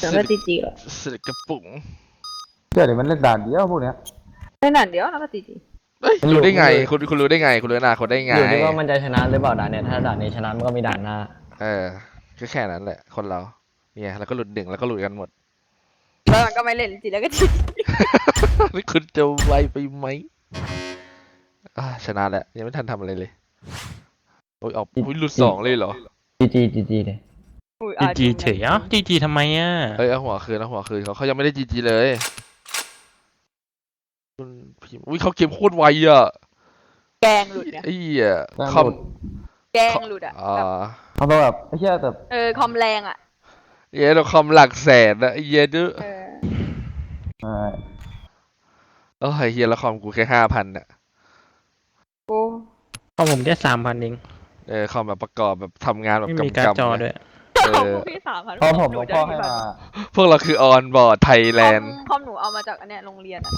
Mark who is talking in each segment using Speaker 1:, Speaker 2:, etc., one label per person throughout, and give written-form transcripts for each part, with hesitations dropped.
Speaker 1: แต่ไม่จีจีหรอ
Speaker 2: สลิดกระปุก
Speaker 3: เดี๋ยวมันเล่นด่านเดียวพวกเนี้ย
Speaker 1: แค่นั้นเดียวแล้วก็จีจี
Speaker 2: เอ้ยรู้ได้ไงคุณรู้ได้ไงคุณรู้อนาคตได้ไง
Speaker 4: อยู่ที่ว่ามันจะชนะหรือเปล่าด่านเนี่ยถ้าด่านนี้ชนะมันก็มีด่านหน้า
Speaker 2: ก็แค่นั้นแหละคนเราเนี่ยแล้วก็หลุดหนึ่งแล้วก็หลุดกันหมด
Speaker 1: แล้วมันก็ไม่เล่นจีแล้วก็จี
Speaker 2: นี่คุณจะไวไปไหมชนะแล้วยังไม่ทันทำอะไรเลยโอ้ยออกหลุด2เลยเหรอ
Speaker 4: จีเลย
Speaker 5: จีเฉยจีทำไมอ่ะ
Speaker 2: เอาหัวคืนเขายังไม่ได้จีเลยคุณพิมพ์เขาเกมโคตรไวอ่ะ
Speaker 1: แกงหลุดเนี่ย
Speaker 2: คอม
Speaker 1: แกงหลุดอ่ะ
Speaker 3: เขาแบบไอ้เหี้ยแต่
Speaker 1: คอมแรงอ่ะ
Speaker 2: เราคอมหลักแสนนะดื้อเฮียแล้วคอมกูแค่5,000น่ะ
Speaker 1: โอ้
Speaker 5: ของผมแค่3,000เอง
Speaker 2: คอมแบบประกอบแบบทำงานแบบ
Speaker 5: ไม่มีการ์ดจอด้วย
Speaker 1: พี่3,000
Speaker 3: พอผมหลวงพ่อให้มา
Speaker 2: พวกเราคือออนบอร์ดไทยแลนด์
Speaker 1: คอมหนูเอามาจากอันเนี้ยโรงเรียนอ่ะ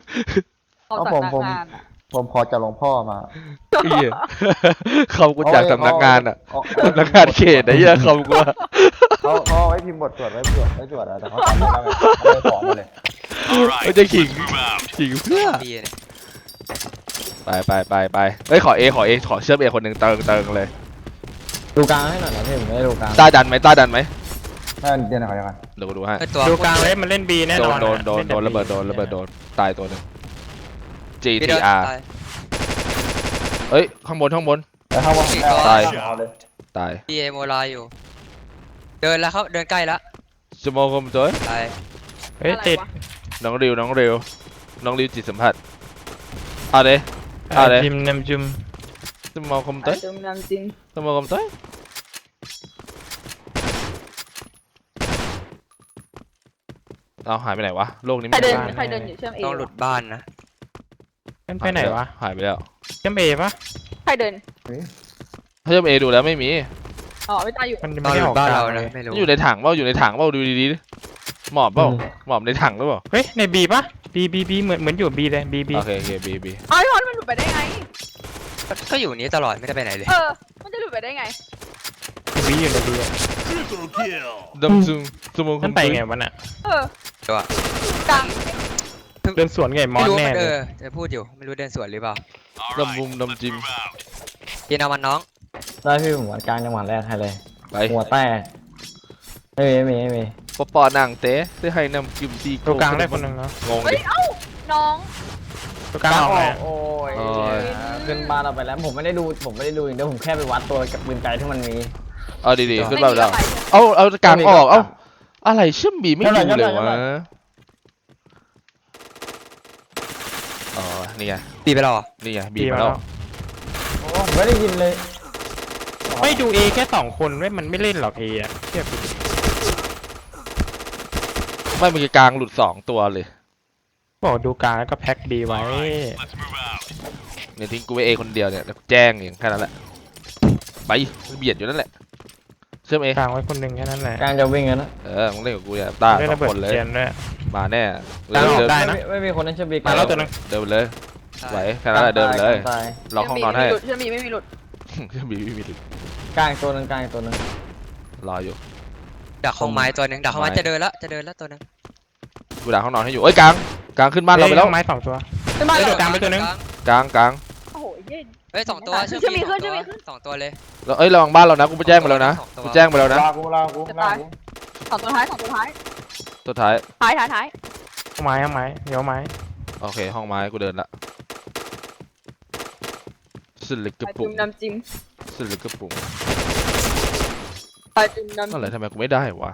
Speaker 3: ผมขอจากหลวงพ่อมา
Speaker 2: คอมกูจากสำนักงานอ่ะสำนักงานเขตไอ้เหี้ยคอมกู
Speaker 3: เขาไว้พิมพ์บทสวดไว้สวดแต่เขาทำไม่ได้เลยขอมาเลย
Speaker 2: เขาจะขิงเพื่อไปขอเชื่อมเอคนหนึ่งเติงเลย
Speaker 4: ดูกลางให้หน่อยนะพี่ผมไม่ได้ดูกลาง
Speaker 2: ต้าดันไหมถ้า
Speaker 3: เดี๋ยวนะ
Speaker 2: เดี๋ยวดูให้
Speaker 5: ดูกลางเลยมันเล่นบีแน่นอน
Speaker 2: โดนระเบิดโดนตายตัวหนึ่ง GTR ข้างบนตาย
Speaker 6: พี่เอโมลาอยู่เดินแล้วเขาเดินใกล้แล้ว
Speaker 2: จะมองคมตัว
Speaker 6: ตาย
Speaker 5: ติด
Speaker 2: น้องริวจิตสัมผัสเอาเลย
Speaker 5: จิมน้ำจุ่ม
Speaker 2: จะมองคมตัวจะมองคมตัวเอาหายไปไหนวะโลกนี้
Speaker 1: ใครเดินอยู่เชื่อมเอ
Speaker 6: ต้องหลุดบ้านนะ
Speaker 5: ไปไหนวะ
Speaker 2: หายไปแล้ว
Speaker 5: เชื่อมเอปะ
Speaker 1: ใครเดิน
Speaker 2: เชื่อมเอดูแล้วไม่มี
Speaker 1: ไม่ตายอยู่
Speaker 5: มันไม่ได้ออกบ้านเรานะ
Speaker 2: ไม่รู้อยู่ในถังเปล่าดูดีๆหมอบเปล่าหมอบในถังหรือเปล่า
Speaker 5: เฮ้ยในบีปะบีเหมือนอยู่บีเลยบี
Speaker 2: โอเคบี
Speaker 1: มันหลุดไปได้ไง
Speaker 6: ก็อยู่นี้ตลอดไม่ได้ไปไหนเลย
Speaker 1: มันจะหลุดไปได้ไง
Speaker 5: บีอยู่ในบี
Speaker 2: ดำซุ่ม
Speaker 5: มันไปไงวะน่ะ
Speaker 6: ตัว
Speaker 1: กลาง
Speaker 5: เดินสวนไงมอนแน่
Speaker 6: เลยจะพูดอยู่ไม่รู้เดินสวนหรือเปล่า
Speaker 2: ดำจิม
Speaker 6: กินเอามันน้อง
Speaker 4: ได้พี่ผมกลางจังหวะแรกให้เลยหัวแตกไม่มี
Speaker 2: ปอหนังเต้ที่ให้นำจิมตี
Speaker 5: ตัวกลางได้คนหนึ่งเนาะ
Speaker 2: งงดิ
Speaker 1: น้อง
Speaker 5: ตัวกลางออกเลย
Speaker 4: โอ้ยขึ้นบ้านเราไปแล้วผมไม่ได้ดูอย่างเดียวผมแค่ไปวัดตัวกับปืนไกลที่มันมี
Speaker 2: ดีขึ้นบ้านเราเอากลางออกอะไรเชื่อมบีไม่ดูเลยวะนี่ไง
Speaker 6: บีไปแล้ว
Speaker 2: นี่ไงบีมาแล้ว
Speaker 4: ไม่ได้ยินเลย
Speaker 5: ไม่ดูเอแค่2 คนมันไม่เล่นหรอกเออะเทียบ
Speaker 2: ไม่มีกลางหลุด2 ตัวเลย
Speaker 5: บอกดูกลางแล้วก็แพ็คบีไว้
Speaker 2: เนี่ยทิ้งกูไว้เอคนเดียวเนี่ยแจ้งอย่างแค่นั้นแหละไปเบียดอยู่นั่นแหละเชื่อมเอก
Speaker 5: ลางไว้คนหนึ่งแค่นั้นแหละ
Speaker 4: กลางจะวิ่งกันนะ
Speaker 2: มึงเล่นกับกูเนี่ยตา2 คนเลยมาแน่
Speaker 5: กลางออกได้นะ
Speaker 4: ไม่มีคนนั้นเชื่อมบี
Speaker 5: มาแล้วตัวนึง
Speaker 2: เดินเลยไหวแค่นั้นแหละเดินเลยล็อกห้องนอนให้
Speaker 1: เชื่อมบีไม่มีหลุด
Speaker 4: กลางตัวนึง
Speaker 2: รออยู่
Speaker 6: ดักห้องไม้ตัวนึงดักห้องไม้จะเดินแล้วตัวนึง
Speaker 2: กูดักห้องนอนให้อยู่กลางขึ้นบ้านเราไปแล้ว
Speaker 5: ไม้2 ตัวกลางไปตัวนึง
Speaker 2: กลาง
Speaker 1: โอ้โห
Speaker 6: 2 ตัวเชื่อมีขึ้น2 ตัวเลย
Speaker 2: แล้วระวังบ้านเรานะกูไปแจ้งไปแล้วนะกูแจ้งไปแล้วนะ
Speaker 3: กู
Speaker 1: 2 ตัวท้าย
Speaker 2: ตัวท้าย
Speaker 5: ห้องไม้เดี๋ยวไม้
Speaker 2: โอเคห้องไม้กูเดินละสลิดกระปุก
Speaker 1: น้ำจิ้ม
Speaker 2: อะไรทำไมกูไม่ได้วะ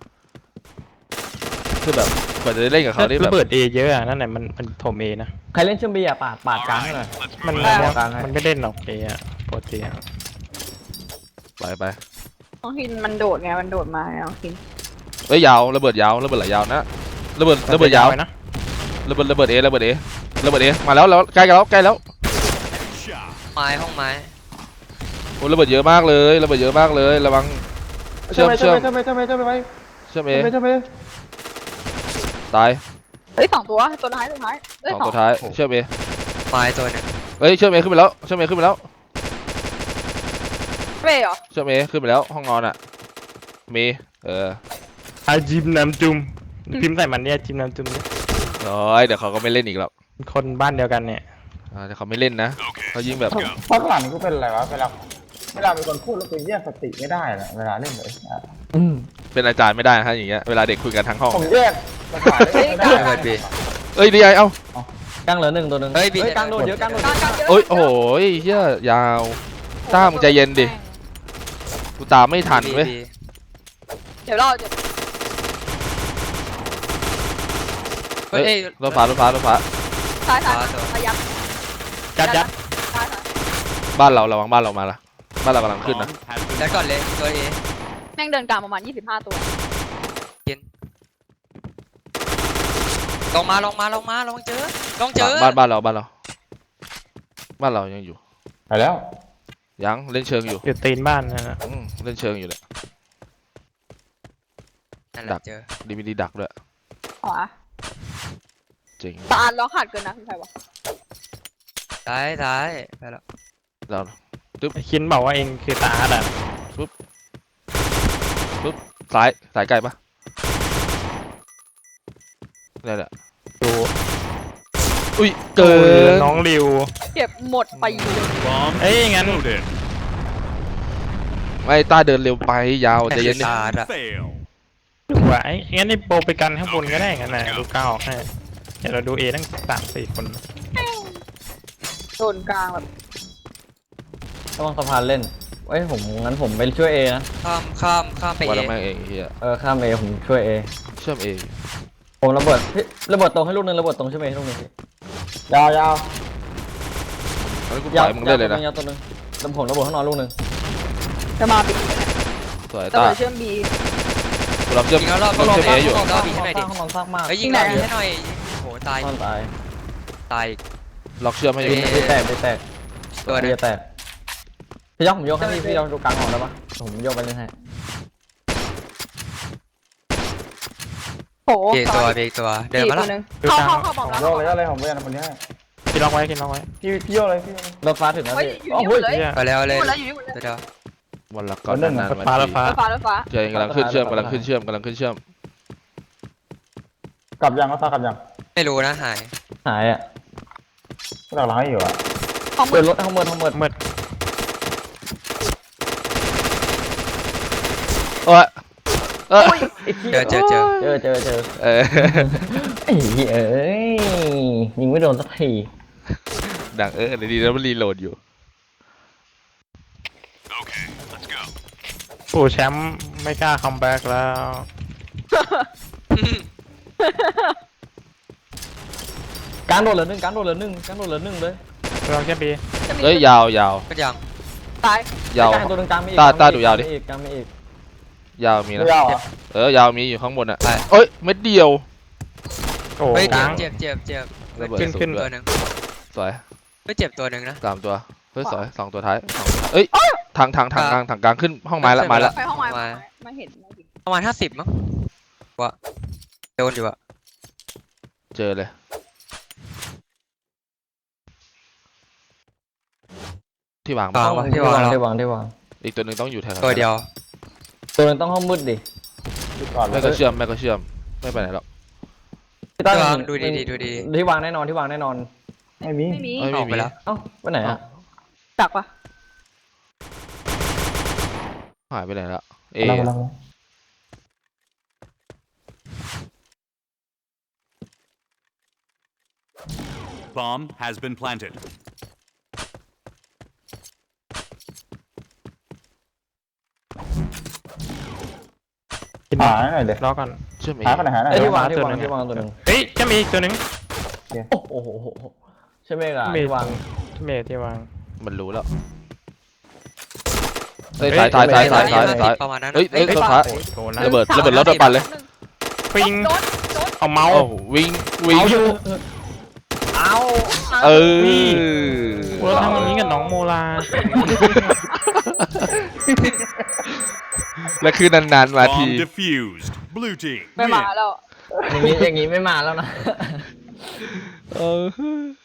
Speaker 2: คือแบบกว่าจะได้เล่นกับเขาได้แบบ
Speaker 5: เปิดเอเยอะนั่นแหละมันถมเอนะ
Speaker 4: ใครเล่นเชื่อมบีอะปาดกลางให้หน่อย
Speaker 5: มันไม่เล่นหรอกเออะปกติ
Speaker 2: ไป
Speaker 1: น้องหินมันโดดไงมันโดดมาน้องหิน
Speaker 2: ยาวระเบิดยาวระเบิดหลายยาวนะระเบิดยาวนะระเบิดเอมาแล้วใกล้แล้ว
Speaker 6: ไม้ห้องไม้
Speaker 2: โอ้ระเบิดเยอะมากเลยระวังเชื่อมเอตาย
Speaker 1: 2 ตัวท้าย
Speaker 2: 2 ตัวท้ายเชื่อมเอ
Speaker 6: ไม้ตัวนึง
Speaker 2: เชื่อมเอขึ้นไปแล้ว
Speaker 1: เป้เหรอ
Speaker 2: เชื่อมเอขึ้นไปแล้วห้องนอนอ่ะมี
Speaker 5: อาจิมน้ำจุ่มพิมพ์ใส่มันเนี่ยจิมน้ำจุ่มเนี่ย
Speaker 2: โอ้ยเดี๋ยวเขาก็ไม่เล่นอีกหรอก
Speaker 5: คนบ้านเดียวกันเนี่ย
Speaker 2: เดี๋ยวเขาไม่เล่นนะเขายิ่งแบบ
Speaker 3: พักหลังกูเป็นอะไรวะเวลามีคนพูดแล้วกูแยกสติไม่ได้นะเวลาเล่นเลย
Speaker 2: เป็นอาจารย์ไม่ได้นะฮะอย่างเงี้ยเวลาเด็กคุยกันทั้งห้อง
Speaker 3: ผมแยกภาษาเล่นไม่ได้
Speaker 6: เปิดบี
Speaker 2: เอ้ยดีไอเอ้าก
Speaker 4: ลางเหลือหนึ่งตัวหนึ่ง
Speaker 6: เฮ้ยบี
Speaker 4: กลางโดนเยอะกลางโดน
Speaker 1: ก
Speaker 4: เย
Speaker 1: ลาง
Speaker 4: อะ
Speaker 1: กลางเยอะ
Speaker 2: โอ้ยโอ้โหเฮียยาวต้ามึงใจเย็นดิกูตามไม่ทันเว้ย
Speaker 1: เดี๋ยวเราจะ
Speaker 6: เฮ้ย
Speaker 2: รถฟ้ารถฟ้ารถฟ้า
Speaker 1: ซ้ายพยายาม
Speaker 5: ยัด
Speaker 1: ซ้าย
Speaker 2: บ้านเราระวังบ้านเรามาละบ้านเรากำลังขึ้นนะ
Speaker 6: แล้วก่อนเลยตัวเอ
Speaker 1: แม่งเดินกลางประมาณ25ตัว
Speaker 6: ลงมาลองเจอลองเจอ
Speaker 2: บ้านเรายังอยู่
Speaker 3: ไปแล้ว
Speaker 2: ยังเล่นเชิงอยู่
Speaker 5: อยู่ตีนบ้านนะ
Speaker 2: เล่นเชิงอยู่เลย
Speaker 6: นั่นแหละเจอ
Speaker 2: ดีดักด้วย
Speaker 1: ขวา
Speaker 2: จริง
Speaker 1: ตาลเราขาดเกินนะคือใครวะ
Speaker 6: ซ้ายไปแล้ว
Speaker 2: เรา
Speaker 5: คินบอกว่าเองคือตาอ่ะ
Speaker 2: สายไกลปะนี่แหละ
Speaker 5: ดู
Speaker 2: อุ้ยเกิน
Speaker 5: น้องริว
Speaker 1: เก็บหมดไปเลย
Speaker 5: เอ้ยงั้น
Speaker 2: ไม่ต้าเดินเร็วไปยาวใจเย็นดิ
Speaker 6: ตาอะ
Speaker 5: ดูว่าไอ้งั้นไอ้โปรไปกันข้างบนก็ได้งั้นนะดูก้าวให้เดี๋ยวเราดูเอทั้ง3-4 คน
Speaker 1: โดนกลางแบบ
Speaker 4: ระวังสะพานเล่นเอ้ยผมงั้นผมไปช่วยเอนะ
Speaker 6: ข้ามไป
Speaker 2: ว่า
Speaker 6: เอ
Speaker 2: แล้วแม่งเองเฮีย
Speaker 4: ข้ามเอผมช่วยเอ
Speaker 2: เชื่อมเอง
Speaker 4: ผมระเบิดพี่ระเบิดตรงให้ลูกนึงระเบิดตรงช่วยเอให้ลูกนึงพี่
Speaker 3: ยาว
Speaker 2: งั้นกูปล่อยมึงได้เลยนะ
Speaker 4: ยาวตัวนึงแล้วผมระเบิดข้างนอกลูกนึง
Speaker 1: จะมาบี
Speaker 2: สวย
Speaker 1: ระ
Speaker 2: ต้า
Speaker 1: เบิดเชื่อมบี
Speaker 2: กูรับเชื่อม
Speaker 6: ยิงแล้วรอบ
Speaker 2: เชื่อมเออยู่
Speaker 6: รอบบีให้หน่อยดิ
Speaker 4: ข้างนอกซากมาก
Speaker 6: เฮ้ยยิงรอบบีให้หน่อยโหตาย
Speaker 4: ซ่อนตาย
Speaker 6: ตาย
Speaker 2: ล็อกเชื่อมให้อยู่
Speaker 4: ไปแตก
Speaker 6: ตัวนึง
Speaker 4: จะแตกพี่ยกผมยกให้พี่ยกดูกลางออกได้ปะผมยกไปเล่นให้
Speaker 1: โห
Speaker 6: เบรกตัวเดินมาแล้ว
Speaker 1: นึงเข้าบอม
Speaker 3: ผม
Speaker 1: แล้ว
Speaker 3: โยกเลยอะไรผมเป็นคนนี้ให้
Speaker 5: คินล็อกไว้
Speaker 3: พี่โยกเลยพี่
Speaker 4: รถฟ้าถึงแล้ว
Speaker 1: เฮ้ย
Speaker 4: พี่
Speaker 1: อยู่นี่หมดเลย
Speaker 5: เนี่ย
Speaker 6: ไปแล้วเลย
Speaker 1: หมดแล้วอยู่นี่หมดเลย
Speaker 6: เดี๋ยว
Speaker 2: วันละก่อนนานๆ
Speaker 5: รถฟ้ารถฟ้า
Speaker 1: รถฟ้า
Speaker 2: เจอกำลังขึ้นเชื่อมกำลังขึ้นเชื่อม
Speaker 3: กลับยังก็ตากลับยัง
Speaker 6: ไม่รู้นะหาย
Speaker 4: หายอ่ะ
Speaker 3: ก็หลังให้อยู่อ่ะ
Speaker 1: ของมื
Speaker 4: เปิ
Speaker 1: อ
Speaker 4: ดรถทั้งหมด
Speaker 5: มืด
Speaker 2: เอ้ย
Speaker 6: เจอ
Speaker 4: เจอ
Speaker 2: เออ
Speaker 4: ไอ้เหี้ยเอ้ยยิงไม่โดนสักที
Speaker 2: ดังเลยดีแล้วมันรีโหลดอยู่
Speaker 5: ผู้แชมป์ไม่กล้าคัมแบ็กแล้ว
Speaker 4: การโดดเหลือหนึ่งเลย
Speaker 5: ลองแค่บี
Speaker 2: เฮ้ยยาว
Speaker 6: ก็ยัง
Speaker 1: ตาย
Speaker 2: ยาว
Speaker 4: กลางตัวหนึ่งกลางไม่อีก
Speaker 2: ตาดูยาวดิ
Speaker 4: กลางไม่อีก
Speaker 2: ยาวมีนะ
Speaker 3: ไม่ยาวอ่ะ
Speaker 2: ยาวมีอยู่ข้างบนอ่ะเอ้ยเม็ดเดียว
Speaker 5: โอ้
Speaker 6: เฮ้ย
Speaker 5: กลาง
Speaker 6: เจ็บ
Speaker 2: ระเบิด
Speaker 5: ขึ้น
Speaker 6: ตัวนึง
Speaker 2: สวย
Speaker 6: ไม่เจ็บตัวนึงนะ
Speaker 2: 3 ตัวเฮ้ยสวย2 ตัวท้ายเอ้ยทางกลางขึ้นห้องไม้ละ
Speaker 1: ไปห้องไม้ไม่เห็น
Speaker 6: ประมาณ50มั้งว่าโดนอยู่อะ
Speaker 2: เจอเลยที่วาง
Speaker 4: ที่วาง
Speaker 2: อีกตัวหนึ่งต้องอยู่แถว
Speaker 6: ตัวเดียว
Speaker 4: ตัวนึงต้องห้องมืดดิ
Speaker 3: ก่อนเล
Speaker 2: แม่
Speaker 3: ย
Speaker 2: ก็เชื่อมไม่ไปไหนหรอก
Speaker 4: พี่ตั้ง
Speaker 6: ดูดี
Speaker 4: ที่วางแน่นอน
Speaker 3: ไม่มี
Speaker 1: ไม่มี
Speaker 6: ออกไปแล้ว
Speaker 4: เอ้าไปไหนอ่ะ
Speaker 1: ดักปะ
Speaker 2: หายไปไหนละเอ
Speaker 7: Bomb has been planted.
Speaker 5: คิน
Speaker 3: หาหน่อยเดี๋ยว
Speaker 5: ล็อกก่อน
Speaker 2: เชื่อมเอ
Speaker 3: หาคนไหนหาหน่อย
Speaker 4: ที่วาง
Speaker 5: ตัวหนึ่ง
Speaker 4: ตัวนึง
Speaker 5: เฮ้ยจะมีอีกตัวหนึ่ง
Speaker 4: โอ้โหใช่ไหมล่ะ
Speaker 5: มี
Speaker 4: ที่วาง
Speaker 5: ที่วาง
Speaker 2: มันรู้แล้วเฮ้ยซ้าย
Speaker 6: ประมาณนั้น
Speaker 2: เฮ้ยตัวท้าย
Speaker 5: โอ้โหนะ
Speaker 2: ระเบิดแล้วโดนปั่นเลย
Speaker 5: ปิง
Speaker 1: โดน
Speaker 5: เอาเมาส์
Speaker 2: โอ้วิ่ง
Speaker 5: เอาอยู่
Speaker 4: เอา
Speaker 2: เออ
Speaker 5: เราทำอย่างนี้กับน้องโมลา
Speaker 2: แล้วคือนานๆมาที
Speaker 7: Bomb defused. Blue team.
Speaker 1: ไม่มาแล้ว
Speaker 4: อย่างนี้ไม่มาแล้วนะ
Speaker 2: เออ